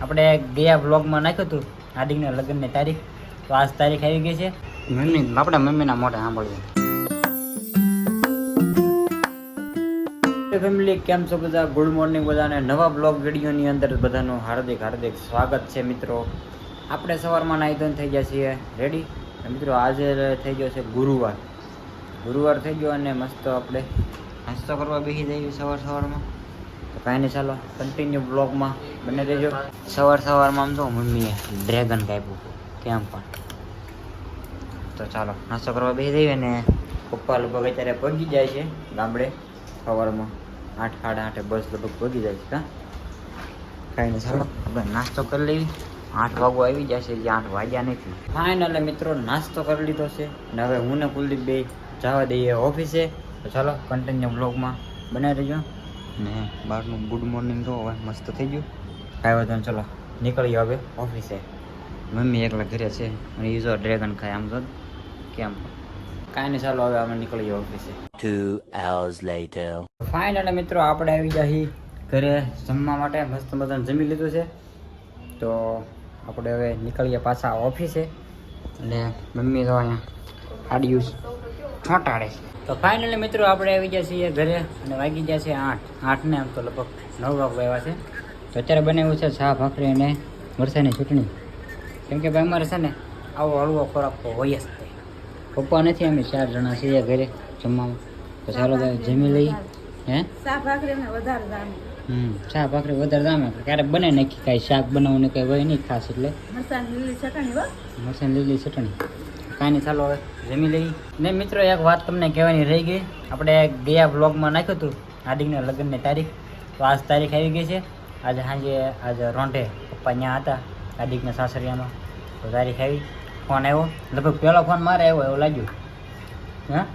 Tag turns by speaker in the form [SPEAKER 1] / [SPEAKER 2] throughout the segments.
[SPEAKER 1] આપણે ગયા બ્લોગમાં નાખ્યું હતું હાર્દિકના લગ્નની તારીખ, તો આજ તારીખ આવી ગઈ છે. આપણે મમ્મીના મોઢે સાંભળવું. ફેમિલી કેમ છો બધા? ગુડ મોર્નિંગ બધાને. નવા બ્લોગ વિડીયોની અંદર બધાનું હાર્દિક હાર્દિક સ્વાગત છે મિત્રો. આપણે સવારમાં નાહી ધોઈને થઈ ગયા છીએ રેડી. મિત્રો આજે થઈ ગયો છે ગુરુવાર થઈ ગયો અને મસ્ત આપણે નાસ્તો કરવા બેસી જઈએ સવારમાં. તો કાંઈ નહીં, ચાલો કન્ટિન્યુ બ્લોગમાં બને રહેજો. સવારમાં આમ તો મમ્મીએ ડ્રેગન કાપ્યું કેમ પણ. તો ચાલો નાસ્તો કરવા બેસી જઈએ ને પપ્પા લગભગ અત્યારે પગી જાય છે ગામડે સવારમાં 8 સાડા 8 બસ લગભગ પગી જાય છે. કાંઈ નહીં, ચાલો આપણે નાસ્તો કરી લેવી. 8 વાગવા આવી જશે, જે 8 વાગ્યા નથી. ફાઇનલ મિત્રો નાસ્તો કરી લીધો છે ને હવે હું ને કુલદીપ બે જવા દઈએ ઓફિસે. તો ચાલો કન્ટિન્યુ બ્લોગમાં બનાવી રહેજો. ને બહારનું ગુડ મોર્નિંગ તો હવે મસ્ત થઈ ગયું. કાંઈ વાંધો નહીં, ચલો નીકળીએ હવે ઓફિસે. મમ્મી એકલા ઘરે છે અને એ જો ડ્રેગન ખાય આમ તો કેમ. કાંઈ નહીં, ચાલો હવે અમે નીકળીએ ઓફિસે.
[SPEAKER 2] 2 hours later.
[SPEAKER 1] ફાઇનલ મિત્રો આપણે આવી જઈએ ઘરે જમવા માટે. મસ્ત બધાને જમી લીધું છે તો આપણે હવે નીકળીએ પાછા ઓફિસે. અને મમ્મી તો અહીંયા આડિયું છોટાડે છે. તો ફાઇનલી મિત્રો આપણે આવી ગયા છીએ ઘરે અને વાગી ગયા છે 8 ને આમ તો લગભગ 9 વાગવા આવ્યા છે. તો અત્યારે બનાવ્યું છે ચા ભાખરી અને મરચાંની ચટણી. કેમ કે ભાઈ અમારે છે ને આવો હળવો ખોરાક તો હોય જ તે. પપ્પા નથી, અમે 4 જણા છીએ ઘરે જમવામાં. તો ચાલો ભાઈ જમી લઈ. હે ચા ભાખરી વધારે દામે ક્યારેક બને નાખી કાંઈ શાક બનાવવું કંઈ હોય નહીં ખાસ, એટલે મરચાંની લીલી ચટણી. કાંઈ નહીં, ચાલો હવે જમી લઈ. ને મિત્રો એક વાત તમને કહેવાની રહી ગઈ. આપણે ગયા બ્લોગમાં નાખ્યું હતું હાર્દિકના લગ્નની તારીખ, તો આજ તારીખ આવી ગઈ છે. આજે રોંઢે પપ્પા ત્યાં હતા હાર્દિકના સાસરિયામાં. તો તારીખ આવી, ફોન આવ્યો. લગભગ પહેલો ફોન મારે આવ્યો એવું લાગ્યું. હા,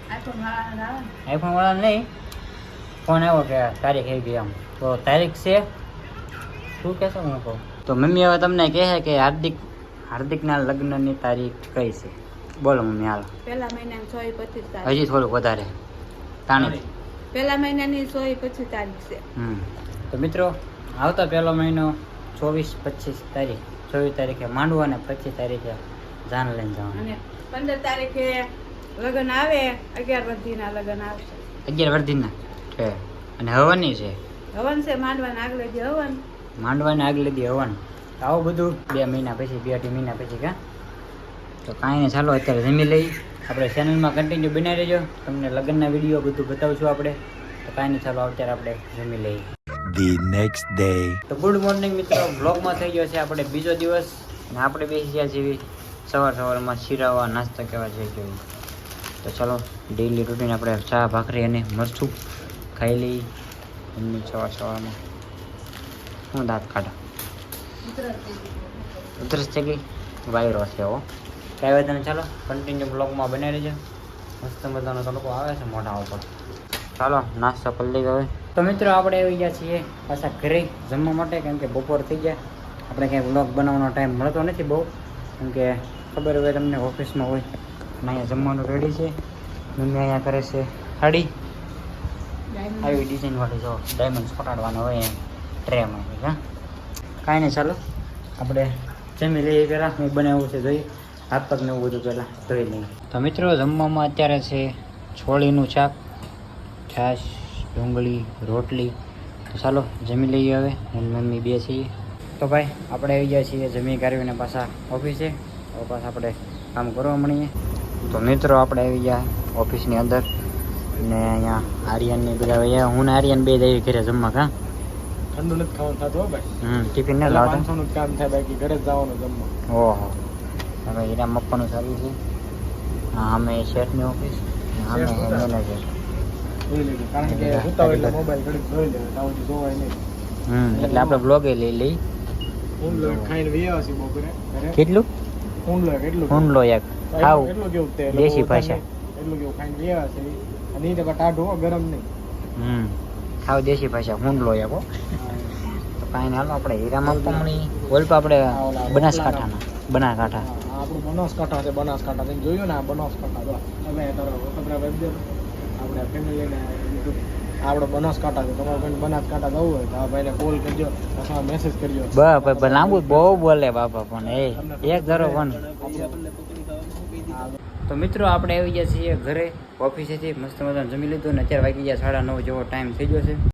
[SPEAKER 1] આઈફોન વાળા નહીં, ફોન આવ્યો કે તારીખ આવી ગઈ આમ. તો તારીખ છે શું કહેશો હું કહું તો મમ્મી હવે તમને કહે કે હાર્દિકના લગ્નની તારીખ કઈ છે? બોલો મમ્મી, હાલો.
[SPEAKER 3] પહેલા મહિનાની 26-25
[SPEAKER 1] હજી થોડુંક વધારે તાણી.
[SPEAKER 3] પહેલા મહિનાની 26-25 તારીખ છે.
[SPEAKER 1] તો મિત્રો આવતા પહેલો મહિનો 24-25 તારીખ, 24 તારીખે માંડવા અને 25 તારીખે જાન લઈને જવાનું.
[SPEAKER 3] અને 15 તારીખે લગ્ન આવે, 11 વર્ધીના લગ્ન આવશે.
[SPEAKER 1] 11 વર્ધીના છે અને હવનની છે.
[SPEAKER 3] હવન છે માંડવાના આગલે દી હવન.
[SPEAKER 1] માંડવાને આગલે દી હવન. તો આવું બધું 2 મહિના પછી, 2-2.5 મહિના પછી કા. તો કાંઈ નહીં, ચાલો અત્યારે જમી લઈ. આપણે ચેનલમાં કન્ટિન્યુ બનાવી રહેજો, તમને લગ્નના વિડીયો બધું બતાવશું આપણે. તો કાંઈ નહીં, ચાલો અત્યારે આપણે જમી લઈએ.
[SPEAKER 2] The next day.
[SPEAKER 1] તો ગુડ મોર્નિંગ મિત્રો, બ્લોગમાં થઈ ગયો છે આપણે બીજો દિવસ અને આપણે બેસી ગયા જેવી સવારમાં શીરાવા નાસ્તા કહેવા જઈ ગયું. તો ચાલો ડેઈલી રૂટીન આપણે ચા ભાખરી અને મરચું ખાઈ લઈ. એમની સવારમાં હું દાંત કાઢા ઉધરસ થઈ ગઈ, વાયરો છે હો. કાંઈ વાત નહીં, ચાલો કન્ટિન્યુ બ્લોગમાં બનાવી રહેજો. મસ્ત મજાનો તડકો આવે છે મોઢા ઉપર. ચાલો નાસ્તો કરી લઈએ હવે. તો મિત્રો આપણે આવી ગયા છીએ પાછા ઘરે જમવા માટે, કેમ કે બપોર થઈ ગયા. આપણે ક્યાંય બ્લોગ બનાવવાનો ટાઈમ મળતો નથી બહુ, કેમ કે ખબર હોય તમને ઓફિસમાં હોય. અને અહીંયા જમવાનું રેડી છે. મમ્મી અહીંયા કરે છે સાડી આવી ડિઝાઇનવાળી, જો ડાયમંડ ફટાડવાનો હોય એમ ટ્રેમાં. હા કાંઈ નહીં, ચાલો આપણે જમી લઈએ. પહેલાં હું બનાવવું છે જોઈ, હાથ પગને એવું બધું પહેલાં ધોઈ લઈએ. તો મિત્રો જમવામાં અત્યારે છે છોળીનું શાક, છાશ, ડુંગળી, રોટલી. તો ચાલો જમી લઈએ હવે. હું મમ્મી બે છીએ. તો ભાઈ આપણે આવી ગયા છીએ જમી કાઢીને પાછા ઓફિસે. હવે પાછા આપણે કામ કરવા મળીએ. તો મિત્રો આપણે આવી ગયા ઓફિસની અંદર ને અહીંયા આર્યનની બધા અહીંયા હું ને આર્યન બે જઈએ ઘરે જમવા. કા
[SPEAKER 4] ઠંડુ નથી ખાવાનું થતું ભાઈ.
[SPEAKER 1] ટિફિન ન લાવતા,
[SPEAKER 4] 500 નું કામ થાય, બાકી ઘરે જ જવાનું જમવા.
[SPEAKER 1] ઓહો, હવે હીરામ આપવાનું ચાલુ છે. હા, અમે શેઠની ઓફિસ, અમે મેનેજર.
[SPEAKER 4] કારણ કે ઉતાવ એટલે મોબાઈલ ઘડીક જોઈ લે, તાવ જોવાય નહીં.
[SPEAKER 1] એટલે આપણે બ્લોગે લઈ લઈ.
[SPEAKER 4] ઊંડલો ખાઈને વ્યાવા છે બપોરે ઘરે.
[SPEAKER 1] કેટલું
[SPEAKER 4] ઊંડલો કેટલું
[SPEAKER 1] ઊંડલો એક ખાવ
[SPEAKER 4] એટલું કેવું તે
[SPEAKER 1] દેશી ભાષા.
[SPEAKER 4] એટલું કેવું ખાઈને વ્યાવા છે. અને એ તો ટાઢું હો, ગરમ નહીં.
[SPEAKER 1] ખાવ દેશી ભાષા ઊંડલો એક હો. તો કાંઈ નહીં, હાલો આપણે હીરામાં પમણી ઓલપા આપણે બનાસકાંઠા.
[SPEAKER 4] આપણું બનાસકાંઠા છે, બનાસકાંઠા તમે જોયું ને, આ બનાસકાંઠા. જો તમે આપણે ફેમિલીને આપણે બનાસકાંઠા છે, તમારે કોઈને બનાસકાંઠા જવું હોય તો આ ભાઈને કોલ કરજો અથવા મેસેજ કરજો.
[SPEAKER 1] બસ લાંબુ બહુ બોલે બાપા પણ એક ધરો પણ. તો મિત્રો આપણે આવી ગયા છીએ ઘરે ઓફિસેથી, મસ્ત મજાનું જમી લીધું ને અત્યારે વાગી ગયા 9:30 જેવો ટાઈમ થઈ ગયો છે.